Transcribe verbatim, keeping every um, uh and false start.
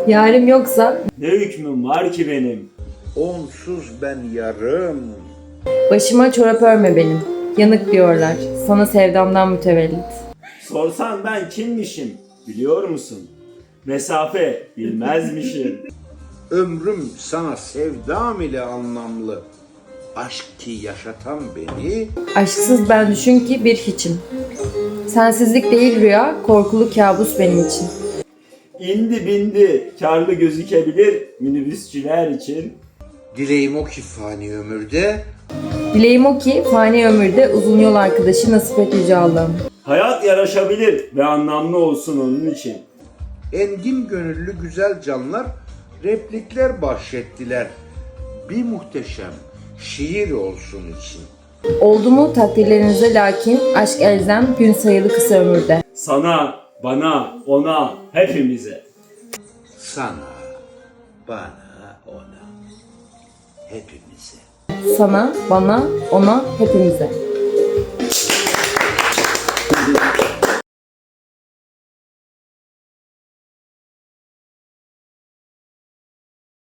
Yarim yoksa Ne hükmüm var ki benim? Onsuz ben yarım. başıma çorap örme benim. Yanık diyorlar. Sana sevdamdan mütevellit. Sorsan ben kimmişim biliyor musun? Mesafe bilmezmişim. Ömrüm sana sevdam ile anlamlı. Aşk ki yaşatan beni, Aşksız ben düşün ki bir hiçim. Sensizlik değil rüya, korkulu kabus benim için. İndi bindi karlı gözükebilir minibüsçüler için. dileğim o ki fani ömürde, Dileğim o ki fani ömürde uzun yol arkadaşı nasip et yüce Allah'ım. Hayat yaraşabilir ve anlamlı olsun onun için. engin gönüllü güzel canlar replikler bahşettiler. Bir muhteşem şiir olsun için. Oldu mu takdirlerinize lakin aşk elzem gün sayılı kısa ömürde. Sana, bana, ona, hepimize. Sana, bana, ona, hepimize. Sana, bana, ona, hepimize.